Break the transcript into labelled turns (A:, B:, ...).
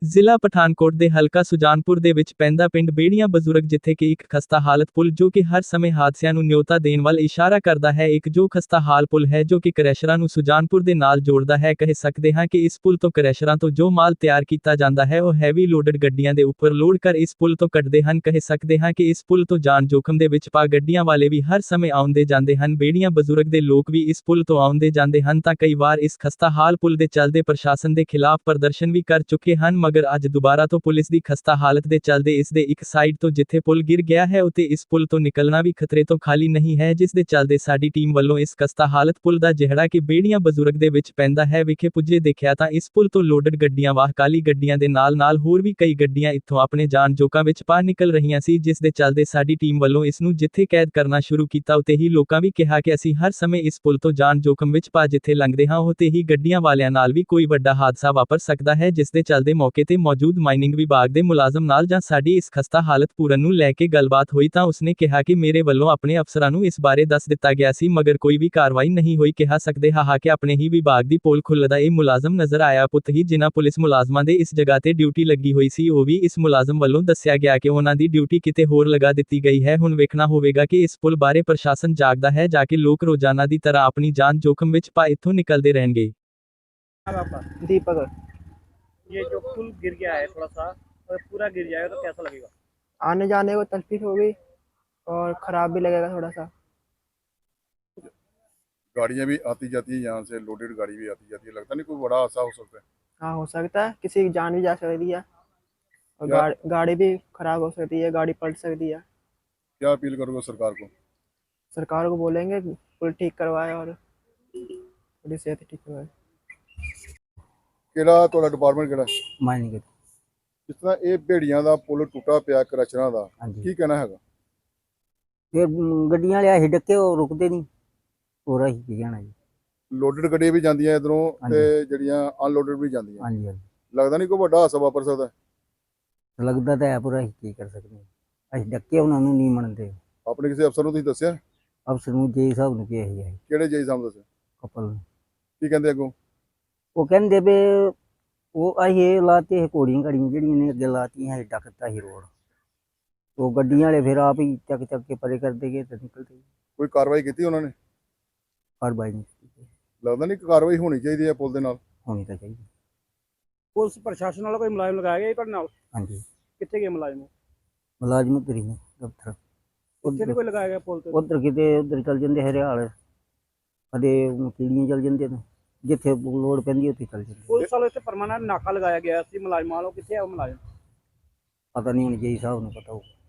A: ਜ਼ਿਲ੍ਹਾ ਪਠਾਨਕੋਟ ਦੇ ਹਲਕਾ ਸੁਜਾਨਪੁਰ ਦੇ ਵਿੱਚ ਪੈਂਦਾ ਪਿੰਡ ਬੇੜੀਆਂ ਬਜ਼ੁਰਗ ਜਿੱਥੇ ਕਿ ਇੱਕ ਖਸਤਾ ਹਾਲਤ ਪੁਲ ਜੋ ਕਿ ਹਰ ਸਮੇਂ ਹਾਦਸਿਆਂ ਨੂੰ ਨਿਉਤਾ ਦੇਣ ਵੱਲ ਇਸ਼ਾਰਾ ਕਰਦਾ ਹੈ। ਇੱਕ ਜੋ ਖਸਤਾ ਹਾਲ ਪੁਲ ਹੈ ਜੋ ਕਿ ਕ੍ਰੈਸ਼ਰਾਂ ਨੂੰ ਸੁਜਾਨਪੁਰ ਦੇ ਨਾਲ ਜੋੜਦਾ ਹੈ। ਕਹਿ ਸਕਦੇ ਹਾਂ ਕਿ ਇਸ ਪੁਲ ਤੋਂ ਕ੍ਰੈਸ਼ਰਾਂ ਤੋਂ ਜੋ ਮਾਲ ਤਿਆਰ ਕੀਤਾ ਜਾਂਦਾ ਹੈ ਉਹ ਹੈਵੀ ਲੋਡਡ ਗੱਡੀਆਂ ਦੇ ਉੱਪਰ ਲੋਡ ਕਰ ਇਸ ਪੁਲ ਤੋਂ ਕੱਢਦੇ ਹਨ। ਕਹਿ ਸਕਦੇ ਹਾਂ ਕਿ ਇਸ ਪੁਲ ਤੋਂ ਜਾਨ ਜੋਖਮ ਦੇ ਵਿੱਚ ਪਾ ਗੱਡੀਆਂ ਵਾਲੇ ਵੀ ਹਰ ਸਮੇਂ ਆਉਂਦੇ ਜਾਂਦੇ ਹਨ। ਬੇੜੀਆਂ ਬਜ਼ੁਰਗ ਦੇ ਲੋਕ ਵੀ ਇਸ ਪੁਲ ਤੋਂ ਆਉਂਦੇ ਜਾਂਦੇ ਹਨ ਤਾਂ ਕਈ ਵਾਰ ਇਸ ਖਸਤਾ ਹਾਲ ਪੁਲ ਦੇ ਚੱਲਦੇ ਪ੍ਰਸ਼ਾਸਨ ਦੇ ਖਿਲਾਫ ਪ੍ਰਦਰਸ਼ਨ ਵੀ ਕਰ ਚੁੱਕੇ ਹਨ। ਮਗਰ ਅੱਜ ਦੁਬਾਰਾ ਤੋਂ ਪੁਲਿਸ ਦੀ ਖਸਤਾ ਹਾਲਤ ਦੇ ਚੱਲਦੇ ਇਸ ਦੇ ਇੱਕ ਸਾਈਡ ਤੋਂ ਜਿੱਥੇ ਪੁਲ ਗਿਰ ਗਿਆ ਹੈ ਉਤੇ ਇਸ ਪੁਲ ਤੋਂ ਨਿਕਲਣਾ ਵੀ ਖਤਰੇ ਤੋਂ ਖਾਲੀ ਨਹੀਂ ਹੈ, ਜਿਸ ਦੇ ਚੱਲਦੇ ਸਾਡੀ ਟੀਮ ਵੱਲੋਂ ਇਸ ਖਸਤਾ ਹਾਲਤ ਪੁਲ ਦਾ ਜਿਹੜਾ ਕਿ ਬੇੜੀਆਂ ਬਜ਼ੁਰਗ ਦੇ ਵਿੱਚ ਪੈਂਦਾ ਹੈ ਵਿਖੇ ਪੁੱਜੇ ਦੇਖਿਆ ਤਾਂ ਇਸ ਪੁਲ ਤੋਂ ਲੋਡਡ ਗੱਡੀਆਂ ਵਾਹ ਕਾਲੀ ਗੱਡੀਆਂ ਦੇ ਨਾਲ ਹੋਰ ਵੀ ਕਈ ਗੱਡੀਆਂ ਇੱਥੋਂ ਆਪਣੇ ਜਾਨ ਜੋਖਾਂ ਵਿੱਚ ਪਾ ਨਿਕਲ ਰਹੀਆਂ ਸੀ, ਜਿਸ ਦੇ ਚੱਲਦੇ ਸਾਡੀ ਟੀਮ ਵੱਲੋਂ ਇਸ ਨੂੰ ਜਿੱਥੇ ਕੈਦ ਕਰਨਾ ਸ਼ੁਰੂ ਕੀਤਾ ਉਤੇ ਹੀ ਲੋਕਾਂ ਵੀ ਕਿਹਾ ਕਿ ਅਸੀਂ ਹਰ ਸਮੇਂ ਇਸ ਪੁਲ ਤੋਂ ਜਾਨ ਜੋਖਮ ਵਿੱਚ ਪਾ ਜਿੱਥੇ ਲੰਘਦੇ ਹਾਂ ਉਤੇ ਹੀ ਗੱਡੀਆਂ ਵਾਲਿਆਂ ਨਾਲ ਵੀ ਕੋਈ ਵੱਡਾ ਹਾਦਸਾ ਵਾਪਰ ਸਕਦਾ ਹੈ, ਜਿਸ ਦੇ ਚੱਲਦੇ ਮੌਕੇ ਤੇ ਮੌਜੂਦ ਮਾਈਨਿੰਗ ਵਿਭਾਗ ਦੇ ਮੁਲਾਜ਼ਮ ਨਾਲ ਜਾਂ ਸਾਡੀ ਇਸ ਖਸਤਾ ਹਾਲਤ ਪੂਰਨ ਨੂੰ ਲੈ ਕੇ ਗੱਲਬਾਤ ਹੋਈ ਤਾਂ ਉਸਨੇ ਕਿਹਾ ਕਿ ਮੇਰੇ ਵੱਲੋਂ ਆਪਣੇ ਅਫਸਰਾਂ ਨੂੰ ਇਸ ਬਾਰੇ ਦੱਸ ਦਿੱਤਾ ਗਿਆ ਸੀ ਮਗਰ ਕੋਈ ਵੀ ਕਾਰਵਾਈ ਨਹੀਂ ਹੋਈ। ਕਿਹਾ ਸਕਦੇ ਹਾਂ ਕਿ ਆਪਣੇ ਹੀ ਵਿਭਾਗ ਦੀ ਪੋਲ ਖੁੱਲਦਾ ਇਹ ਮੁਲਾਜ਼ਮ ਨਜ਼ਰ ਆਇਆ ਪੁੱਤ ਹੀ ਜਿਨ੍ਹਾਂ ਪੁਲਿਸ ਮੁਲਾਜ਼ਮਾਂ ਦੇ ਇਸ ਜਗ੍ਹਾ ਤੇ ਡਿਊਟੀ ਲੱਗੀ ਹੋਈ ਸੀ ਉਹ ਵੀ ਇਸ ਮੁਲਾਜ਼ਮ ਵੱਲੋਂ ਦੱਸਿਆ ਗਿਆ ਕਿ ਉਹਨਾਂ ਦੀ ਡਿਊਟੀ ਕਿਤੇ ਹੋਰ ਲਗਾ ਦਿੱਤੀ ਗਈ ਹੈ। ਹੁਣ ਵੇਖਣਾ ਹੋਵੇਗਾ ਕਿ ਇਸ ਪੁਲ ਬਾਰੇ ਪ੍ਰਸ਼ਾਸਨ ਜਾਗਦਾ ਹੈ ਜਾਂ ਕਿ ਲੋਕ ਰੋਜ਼ਾਨਾ ਦੀ ਤਰ੍ਹਾਂ ਆਪਣੀ ਜਾਨ जोखिम ਵਿੱਚ पा इत्थों निकलते रहेंगे।
B: दीपक,
C: ये जो पुल गिर गया है थोड़ा सा अगर पूरा गिर जाएगा तो कैसा लगेगा?
B: आने जाने को तकलीफ होगी और खराब भी लगेगा थोड़ा सा।
D: गाड़ियाँ भी आती जाती है, यहाँ से लोडेड गाड़ी भी आती जाती है, लगता नहीं कोई बड़ा हादसा हो सकता है।
B: हाँ, हो सकता है, किसी की जान भी जा सकती है और गाड़ी भी खराब हो सकती है, गाड़ी पलट सकती है।
D: क्या अपील करोगे सरकार को?
B: सरकार को बोलेंगे पुल ठीक करवाए और थोड़ी सेहत ठीक करवाए।
D: ਕਿਹੜਾ ਤੁਹਾਡਾ ਡਿਪਾਰਟਮੈਂਟ ਕਿਹੜਾ?
E: ਮਾਈਨਿੰਗ।
D: ਜਿਸ ਤਰ੍ਹਾਂ ਇਹ ਭੇੜੀਆਂ ਦਾ ਪੁਲ ਟੁੱਟਾ ਪਿਆ ਕ੍ਰੈਸ਼ਰਾਂ ਦਾ,
E: ਹਾਂਜੀ,
D: ਕੀ ਕਹਿਣਾ ਹੈਗਾ?
E: ਫਿਰ ਗੱਡੀਆਂ ਵਾਲੇ ਆਹੀ ਡੱਕੇ ਉਹ ਰੁਕਦੇ ਨਹੀਂ, ਹੋਰ ਅਸੀਂ ਕੀ ਕਹਿਣਾ ਜੀ।
D: ਲੋਡਡ ਗੱਡੀਆਂ ਵੀ ਜਾਂਦੀਆਂ ਇਧਰੋਂ
E: ਹਾਂਜੀ।
D: ਤੇ ਜਿਹੜੀਆਂ ਅਨਲੋਡਡ ਵੀ ਜਾਂਦੀਆਂ,
E: ਹਾਂਜੀ ਹਾਂਜੀ,
D: ਲੱਗਦਾ ਨਹੀਂ ਕੋਈ ਵੱਡਾ ਹਾਦਸਾ ਵਾਪਰ ਸਕਦਾ?
E: ਲੱਗਦਾ ਤਾਂ ਹੈ ਪਰ ਅਸੀਂ ਕੀ ਕਰ ਸਕਦੇ ਹਾਂ, ਅਸੀਂ ਡੱਕੇ ਉਹਨਾਂ ਨੂੰ ਨਹੀਂ ਮੰਨਦੇ।
D: ਆਪਣੇ ਕਿਸੇ ਅਫਸਰ ਨੂੰ ਤੁਸੀਂ ਦੱਸਿਆ?
E: ਅਫਸਰ ਨੂੰ ਜੇ ਸਾਹਿਬ ਨੂੰ ਕਿਹਾ ਹੈ
D: ਕਿਹੜੇ ਜੇਈ ਸਾਹਿਬ ਨੂੰ ਦੱਸਿਆ?
E: ਕਪਲ ਨੂੰ।
D: ਕੀ ਕਹਿੰਦੇ ਅੱਗੋਂ?
E: ਉਹ ਕਹਿੰਦੇ ਵੀ ਉਹ ਅਸੀਂ ਇਹ ਲਾਤੇ ਇਹ ਘੋੜੀਆਂ ਘੜੀਆਂ ਜਿਹੜੀਆਂ ਨੇ ਅੱਗੇ ਲਾਤੀਆਂ ਇਹ ਡੱਕਤਾ ਹੀ ਰੋਡ, ਉਹ ਗੱਡੀਆਂ ਵਾਲੇ ਫਿਰ ਆਪ ਹੀ ਚੱਕ ਕੇ ਪਰੇ ਕਰਦੇ ਗਏ ਤੇ ਨਿਕਲਦੇ ਗਏ।
D: ਕੋਈ ਕਾਰਵਾਈ ਕੀਤੀ ਉਹਨਾਂ ਨੇ?
E: ਕਾਰਵਾਈ ਨਹੀਂ ਕੀਤੀ।
D: ਲੱਗਦਾ ਨਹੀਂ ਕਾਰਵਾਈ ਹੋਣੀ ਚਾਹੀਦੀ ਹੈ ਪੁਲ ਦੇ ਨਾਲ?
E: ਹੋਣੀ ਤਾਂ ਚਾਹੀਦੀ।
C: पुलिस प्रशासन वाला कोई मुलाजिम लगाया गया ਤੁਹਾਡੇ ਨਾਲ?
E: ਹਾਂਜੀ,
C: कितने गए मुलाजिम?
E: ਮੁਲਾਜ਼ਮ ਤੇਰੀ ਨੇ ਦਫ਼ਤਰ
C: ਉੱਥੇ ਨਹੀਂ ਕੋਈ ਲਗਾਇਆ ਗਿਆ ਪੁਲ ਤੇ?
E: ਉਧਰ ਕਿਤੇ ਉਧਰ ਚੱਲ ਜਾਂਦੇ ਹਰਿਆਲ, ਕਦੇ ਕੀੜੀਆਂ ਚੱਲ ਜਾਂਦੇ ਨੇ, ਜਿੱਥੇ ਲੋੜ ਪੈਂਦੀ ਉੱਥੇ ਚੱਲ ਜਾਂਦੇ।
C: ਪੁਲਿਸ ਵਾਲੇ ਇੱਥੇ ਪਰਮਾਨੈਂਟ ਨਾਕਾ ਲਗਾਇਆ ਗਿਆ ਸੀ ਮੁਲਾਜ਼ਮਾਂ ਵੱਲੋਂ, ਕਿੱਥੇ ਆ ਉਹ ਮੁਲਾਜ਼ਮ?
E: ਪਤਾ ਨਹੀਂ ਹੁਣ ਜੀ ਸਾਹਿਬ ਨੂੰ ਪਤਾ ਹੋਊ।